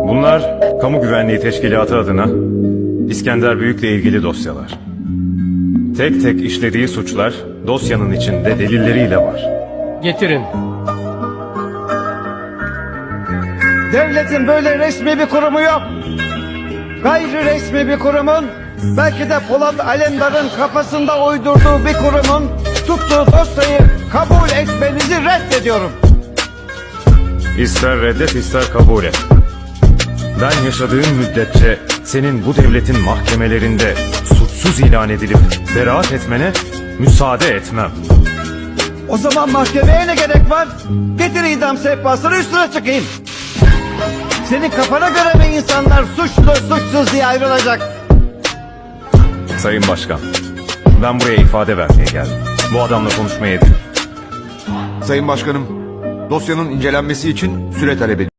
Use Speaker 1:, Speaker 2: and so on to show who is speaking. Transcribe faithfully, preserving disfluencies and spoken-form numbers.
Speaker 1: Bunlar Kamu Güvenliği Teşkilatı adına İskender Büyük'le ilgili dosyalar. Tek tek işlediği suçlar dosyanın içinde delilleriyle var.
Speaker 2: Getirin.
Speaker 3: Devletin böyle resmi bir kurumu yok. Gayri resmi bir kurumun, belki de Polat Alemdar'ın kafasında uydurduğu bir kurumun tuttuğu dosyayı kabul etmenizi reddediyorum.
Speaker 1: İster reddet ister kabul et. Ben yaşadığım müddetçe senin bu devletin mahkemelerinde suçsuz ilan edilip beraat etmene müsaade etmem.
Speaker 3: O zaman mahkemeye ne gerek var? Getir idam sehpasını, üstüne çıkayım. Senin kafana göre mi insanlar suçlu suçsuz diye ayrılacak?
Speaker 1: Sayın Başkan, ben buraya ifade vermeye geldim. Bu adamla konuşmaya değil.
Speaker 4: Sayın Başkanım, dosyanın incelenmesi için süre talep ediyorum.